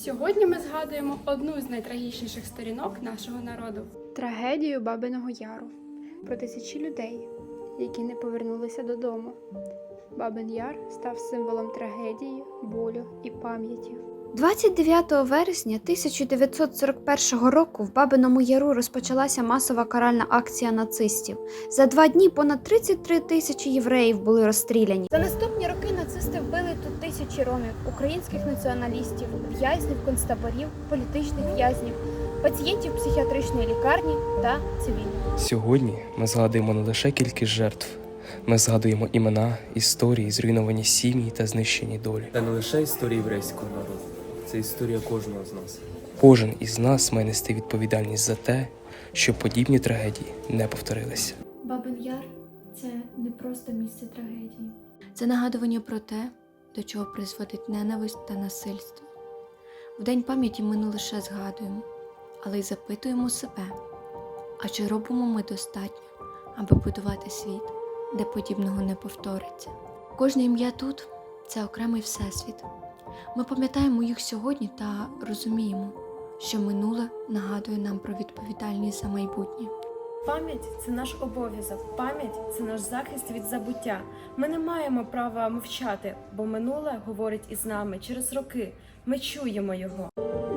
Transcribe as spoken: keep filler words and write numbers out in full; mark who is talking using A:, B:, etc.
A: Сьогодні ми згадуємо одну з найтрагічніших сторінок нашого народу – трагедію Бабиного Яру. Про тисячі людей, які не повернулися додому. Бабин Яр став символом трагедії, болю і пам'яті.
B: двадцять дев'ятого вересня тисяча дев'ятсот сорок першого року в Бабиному Яру розпочалася масова каральна акція нацистів. За два дні понад тридцять три тисячі євреїв були розстріляні.
C: За наступні роки нацисти вбили тут тисячі ромів, українських націоналістів, в'язнів концтаборів, політичних в'язнів, пацієнтів психіатричної лікарні та цивільних.
D: Сьогодні ми згадуємо не лише кількість жертв. Ми згадуємо імена, історії, зруйновані сім'ї та знищені долі.
E: Це не лише історія єврейського народу, це історія кожного з нас.
D: Кожен із нас має нести відповідальність за те, щоб подібні трагедії не повторилися.
F: Бабин Яр – це не просто місце трагедії.
B: Це нагадування про те, до чого призводить ненависть та насильство. В День пам'яті ми не лише згадуємо, але й запитуємо себе, а чи робимо ми достатньо, аби будувати світ, де подібного не повториться. Кожне ім'я тут – це окремий всесвіт. Ми пам'ятаємо їх сьогодні та розуміємо, що минуле нагадує нам про відповідальність за майбутнє.
G: Пам'ять – це наш обов'язок, пам'ять – це наш захист від забуття. Ми не маємо права мовчати, бо минуле говорить із нами через роки. Ми чуємо його.